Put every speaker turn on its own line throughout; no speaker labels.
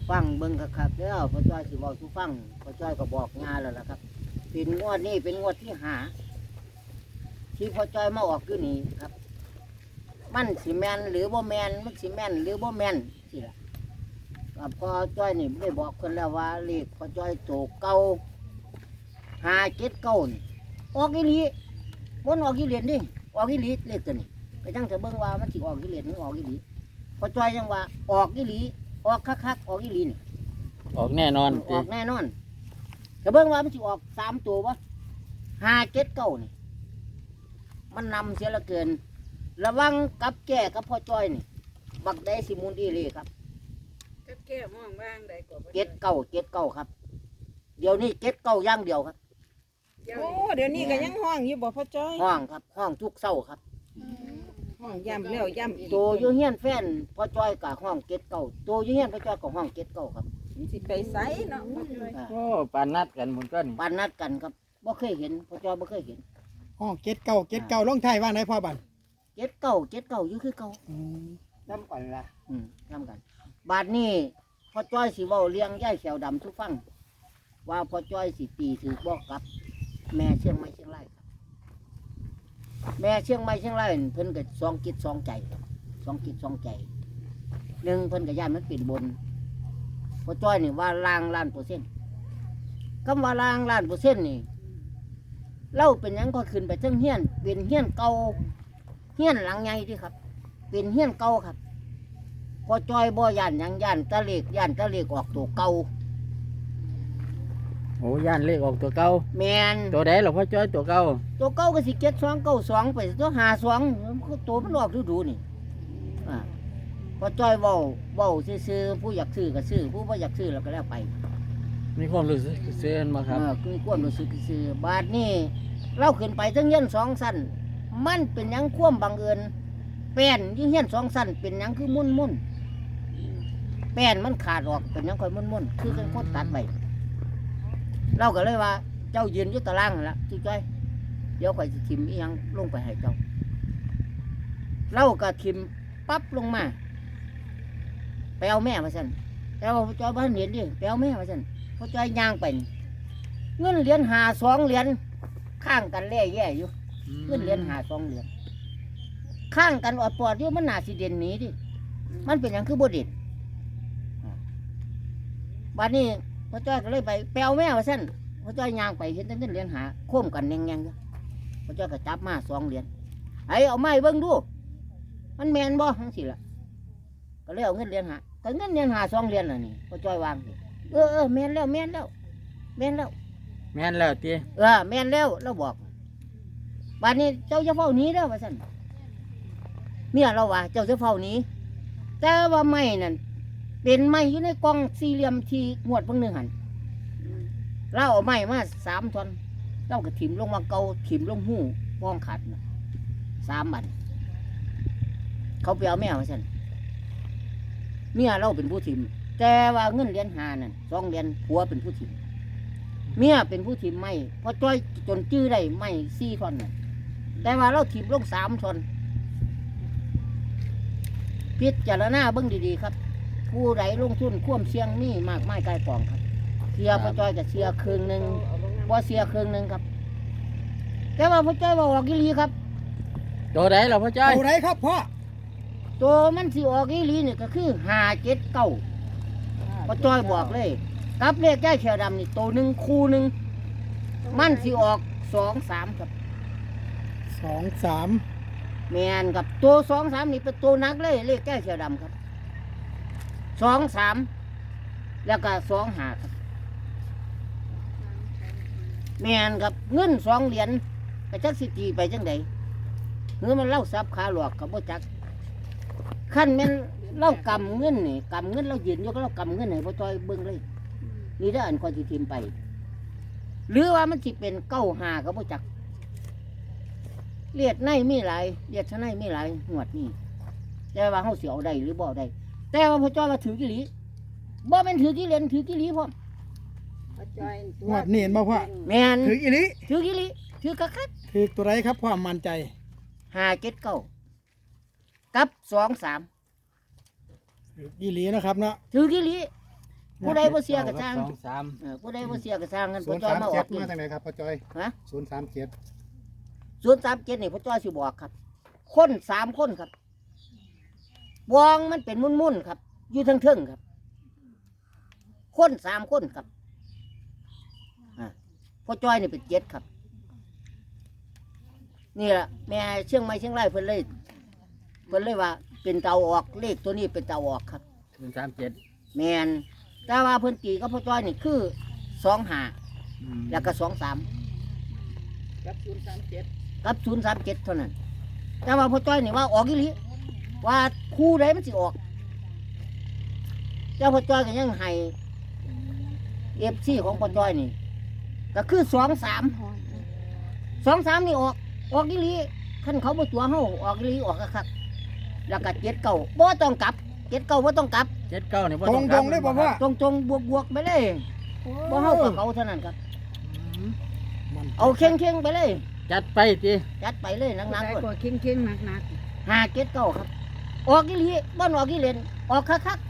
ฟังเบิ่งครับแล้วพ่อจ้อยสิบอกทุกฟังพ่อจ้อยก็บอกงานแล้วล่ะครับเป็นงวดนี้เป็นงวดที่หาที่พ่อจ้อยมาออกอยู่นี่ครับมันสิแมนหรือบ่แมนมันสิแมนหรือบ่แมนสิล่ะกับพ่อจ้อยนี่ได้บอกคนแล้วว่าเลขพ่อจ้อยโตเก่า579นี่ออกอีหลีบ่ออกอีเหรียญนี่ออกอีหลีเลขตัวนี้ก็จังจะเบิ่งว่ามันสิออกอีเหรียญหรือออกอีหลีพ่อจ้อยยังว่าออกอีหลีออกคักๆออกอีหลีนี่
ออกแน่นอน
ออกแน่นอนก็เบิ่งว่ามันสิออก3ตัวบ่579นี่มันนำเสียเหลือเกินระวังกับแก่กับพ่อจ้อยนี่บักได้สิมุนอีเลยครับ
กับแก้มองบ้างได้ก็บ่
เจ็ดเก้าครับ เดี๋ยวนี้79อย่างเดียวครับ
โอ้เดี๋ยวนี้ก็ยังห้องอยู่บ่พ่อจ้อย
ห้องครับห้องทุกเช้าครับ
ห้องย่ำแล้วย่ำอีก
ตัวอยู่เฮียนแฟนพ่อจ้อยกับห้อง79ตัวอยู่เฮียนพ่อจ้อยกับห้อง79ครับ
มันสิไปไสเนาะพ่อจ้อย
อ่า
โอ้ปานนัดกันหมุนก้อน
ปานนัดกันครับบ่เคยเห็นพ่อจ้อยบ่เคยเห็น
ห้องเจ็ดเก้าลงไทายว่างไหนพ่อบัน
79อยู่คือเก่า
น้ำก่อนละ
ทำกัน บาดนี้พ่อจ้อยสิเว้าเลี้ยงย่ายแขวดำทุกฟัง ว่าพ่อจ้อยสิตีถือบอกกับ แม่เชียงใหม่เชียงรายครับแม่เชียงใหม่เชียงรายเพิ่นก็สองจิตสองใจครับสองจิตสองใจหนึ่งเพิ่นก็ย่านมันเป็นบนพ่อจ้อยนี่ว่าล้างล้านเปอร์เซ็นต์คำว่าล้างล้านเปอร์เซ็นต์นี่เล่าเป็นหยังก็ขึ้นไปเทั้งเฮียนเป็นเฮียนเก่าเฮียนหลังใหญ่ที่ครับ เป็นเฮียนเก่าครับพ่อจ้อยบ่ย่านหยังย่านตะเลกย่านตะเลกออกตัวเก่า
โอ้ย่านเลขออกตัวเก่า
แมน
ตัวใดหรอพ่อจ้อยตัวเก่า
ตัวเก่าก็สิ7292ไปตัว52ตัวมันออกดูๆนี่อ่าพอจ้อยเว้าซื่อๆผู้อยากซื้อก็ซื้อผู้บ่อยากซื้อแล้วก็แล้วไป
มีความรู้สึกเสียนมาครับ
คือความรู้สึกซื่อบาดนี้เราขึ้นไปทั้งเฮียน2ชั้นมันเป็นหยังความบังเอิญแป้นอยู่เฮียน2ชั้นเป็นหยังคือมุ่นๆแป้นมันขาดออกเป็นหยังค่อยมุ่นๆคือกันคนตัดไว้เราก็เลยว่าเจ้ายืนอยู่ตารางนั่นล่ะจุจ้อยเดี๋ยวข่อยสิทิมอีหยังลงไปให้เจ้าเราก็ทิมปั๊บลงมาไปเอาแม่มาสั่นแต่ว่าพ่อจ้อยบ้านเห็นดิไปเอาแม่มาสั่นพ่อจ้อยย่างไปนี่เงินเหรียญ2 เหรียญข้างกันแล่แย่อยู่เงินเหรียญ2 เหรียญข้างกันอดปอดอยู่มันน่าสิเด่นหนีดิมันเป็นอย่างคือบ่เด่นบัดนี้พ่อจ้อยก็เลยไปเอาแม่มาสั่นพ่อจ้อยย่างไปเห็นแต่เงินเหรียญโค้มกันแงงๆอยู่พ่อจ้อยก็จับมา2 เหรียญไอ้เอาไม้เบิ่งดูมันแมนบ่ทั้งสิล่ะก็เลยเอาเงินเหรียญก็เงินเหรียญ2 เหรียญน่ะนี่พ่อจ้อยวางสิแมนแล้วแมนแล้วแมนแล้ว
แม่นแล้วตี
แมนแล้วเราบอกบัดนี้เจ้าจะเฝ้าหนี้เด้อว่าซั่นเมียเราว่าเจ้าจะเฝ้าหนี้แต่ว่าไม้นั่นเป็นไม้อยู่ในกล่องสี่เหลี่ยมที่งวดเพิ่งหนึงหั่นเราเอาไม้มา3 ท่อนเราก็ถิ่มลงมาเกาถิ่มลงหูป้องขัดน่ะ3 บันเขาไปเอาแม่มาสั่นเมียเราเป็นผู้ถิ่มแต่ว่าเงินเหรียญ5นั่น2 เหรียญผัวเป็นผู้ถิ่มเมียเป็นผู้ถิ่มไม่พอจ้อยจนจื้อได้ไม่4 ท่อนน่ะแต่ว่าเราถิ่มลง3 ท่อนพิจารณาเบิ่งดีๆครับ ผู้ใดลงทุนควมเสี่ยงมีมากไม้กายกองครับเสียพอจ้อยกับเสียครึ่งหนึ่งบ่เสียครึ่งหนึ่งครับแต่ว่าพอจ้อยบอกออกอีหลีครับ
ตัวใดหรอพ่อจ้อย
เอาไรครับพ่อ
ตัวมันสิออกอีหลีนี่ก็คือ579พอจ้อยบอกเลยกับเลขแก้เขียวดำนี่ตัวหนึ่งคู่หนึ่งมันสิออก2-3ครับ
2-3
แมนกับตัว2-3นี่เป็นตัวนักเลยเลขแก้เขียวดำครับ2-3แล้วก็2-5ครับแมนครับเงิน2 เหรียญกระจักสิตีไปจังใดเงินมันเล่าซับขาหลอกกับบ่จักขั้นแม่นเล่ากำเงินนี่กำเงินเรายืนอยู่ก็เรากำเงินให้พ่อจ้อยเบิ่งเลยนี่ได้ออันคนที่ทิมไป หรือว่ามันสิเป็น95กับบ่จักเลียดในมีหลายเลียดชะในมีหลายงวดนี่แต่ว่าเฮาสิเอาได้หรือบ่ได้แต่ว่าพ่อจ้อยว่าถือกี่หลีบ่แม่นถือกี่เหรียญถือกี่หลีพร้อม
พ่อจ้อย
งวดนี้เห็นบ่พ่อ
แม่น
ถืออีหลิ
ถือกี่หลีถือกะคัด
ถือตัวไรครับพ่อมั่นใจ
579กับ23
ถืออีหลีนะครับเนาะ
ถือกี่หลีผู้ใดบ่เสียก็สร้าง
สองสาม
ผู้ใดบ่เสียก็สร้างกัน
ศู
พ่อน
ย์
จ้อย
สาม
มาอ
เจ็
อ
ด
กนี่
มาจากไหนครับพ่อจอย
ฮะ
037
037นี่พ่อจ้อยสิบอกครับ คน3คนครับวองมันเป็นมุ่นๆครับ อยู่เทิงๆครับ คน3คนครับพ่อจ้อยนี่เป็น7ครับ นี่ล่ะแม่เชียงใหม่เชียงรายเพิ่นเลยว่าเป็นเตาออกเลขตัวนี้เป็นเตาออกครับ
037
แมนแต่ว่าเพิ่นตีกับพ่อจ้อยนี่คือ25แล้วก็23
กับ037
กับ037เท่านั้น แต่ว่าพ่อจ้อยนี่ว่าออกอีหลีว่าคู่ใดมันสิออกเจ้าพ่อจ้อยก็ยังให้ FC ของพ่อจ้อยนี่ ก็คือ23นี่ออกอีหลีคันเขาบ่ตัวเฮาออกอีหลีออกคักๆแล้วก็79บ่ต้องกลับ79บ่ต้องกลับ
79นี่บ่
ตร
ต้อง ง
ตรงๆเลยบ่พ่อ
ตรงๆบวกๆไปเลยบ่เฮากับเขาเท่านั้นครับ
มัน
เอาเข่งๆไปเลย
จัดไปติ
จัดไปเลยหนัก
ได้
ๆก่อน
กว่าเข่งๆหนัก
579ครับออกอีหลีบ่ออกอีเล่นออกคัก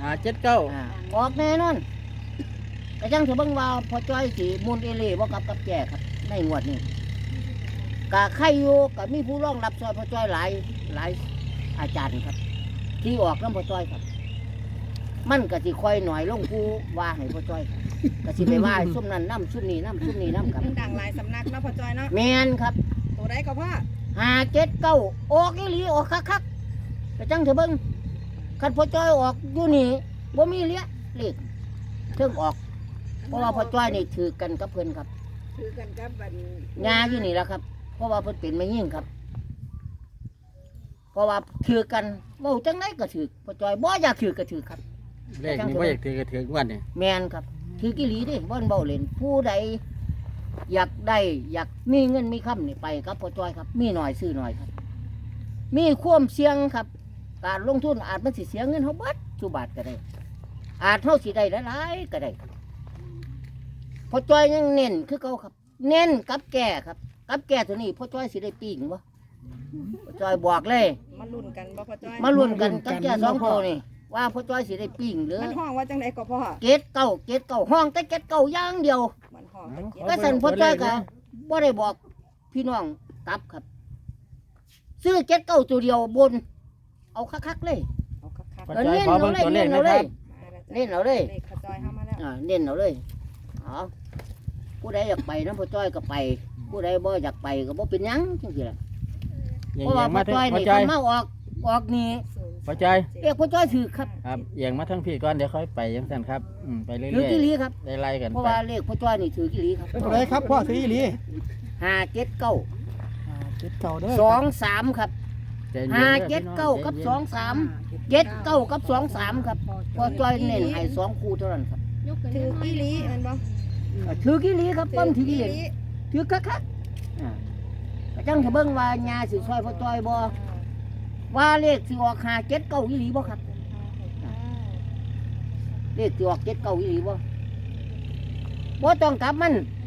79
ออกแน่นอนก็จังสิเบิ่งว่าพอจ้อยสิมูลเอเล่บ่กับแก่ครับในงวดนี้ก็ใครอยู่ก็มีผู้รองรับซอยพอจ้อยหลายอาจารย์ครับ ที่ออกนำพอจ้อยครับ มันก็สิค่อยหน่อยลงผู้ว่าให้พอจ้อยครับก็สิไปว่าให้ซุ่มนั้นนำซุ่มนี้นำซุ่มนี้นำครับ
ๆดังหลายสำนักเนาะพ่อจอยเนาะ
แม่นครับ
ตัวใดก็พ่อ
579ออกอีหลีออกคักๆก็จังสิเบิ่งคันพอจ้อยออกอยู่นี่บ่มีเหลี้ยเลขเทิงออก เพราะว่าพ่อจ้อยนี่ถือกันกับเพิ่นครับ
ถือกันกับบัด
งาอยู่นี่แหละครับ เพราะว่าเพิ่นเป็นไม่ยิ่งครับ เพราะว่าถือกันเว้าจังไดก็ถือพ่อจ้อยบ่อยากถือก็ถือครับ
เลขนี่บ่อยากถือก็ถือวันนี่
แม่นครับ ถือกิหลีเดิบ่นเบาเล่นผู้ใดอยากได้อยากมีเงินมีคำนี่ไปครับพ่อจ้อยครับ มีหน่อยซื้อหน่อยครับ มีความเสี่ยงครับ การลงทุนอาจมันสิเสียเงินเฮาเบิดสุบาทก็ได้ อาจเฮาสิได้หลายๆก็ได้ครับพ่อจ้อยยังเน้นคือเก่าครับ เน้นกับแก่ครับ กับแก่ตัวนี้พ่อจ้อยสิได้ปิ้งบ่พ่อจ้อยบอกเลย
มาลุ้นกันบ่พ่อจอย
มาลุ้นกันกับแก่สองตัวนี่ว่าพ่อจ้อยสิได้ปิ้งหรือ
มันห้องว่าจังไดก็พ่อ
เกตเก้าห้องแต่เกตเก้าอย่างเดียว
มันห้องแต่เจ็ด
ก็สั่นพ่อจ้อยก็บ่ได้บอกพี่น้องกลับครับ ซื้อเกตเก้าตัวเดียวบน เอาคักๆเลย
เอาคัก
พ่อ
ๆ
จ้อยขอเบิ่งตัวเลขหนะครับ
เน้นเอาเลย
เลขพ่อจอยเข้ามาแล้ว
เน้นเอาเลยเอาผู้ใดอยากไปนะพ่อจ้อยก็ไป ผู้ใดบ่อยากไปก็บ่เป็นหยังจังซี่ล่ะ
อย่า
เพราะว่าพ่
มา
อ
ทั้ง
จ้อย
พ่อ
นี่
จ้อย
เพิ่นมาออกนี่
พ่อจ้อย
เรียกพ่อจ้อยถือครับ
ครับเอียงมาทั้งพี่ก่อนเดี๋ยวค่อยไปจังซั่นครับไปเรื่
ถือ
อย
กี่ลีครับ
ๆได้ไล่กัน
เพราะ
ไป
ว่าเลขพ่อจ้อยนี่ถือกี่ลีครับ
เป็นตัวไหนครับพ่อซื้ออีหลี
579
เจ็ดเก้าเด้อ
23ครับ
ใจเย็นๆ
579กับ23 79กับ23ครับพ่อจ้อยเน้นให้2คู่เท่านั้นครับ
ถืออีหลีแมันบ่
ถือกี่ลีครับปั้มถือกี่ลี
หลี
ถือคักก็จังจะเบิ่งว่าญาสิซอยพ่อจ้อยบ่ว่าเลขสิออก579อีหลีบ่ครับเลขสิออก79อีหลีบ่ต้องกลับมัน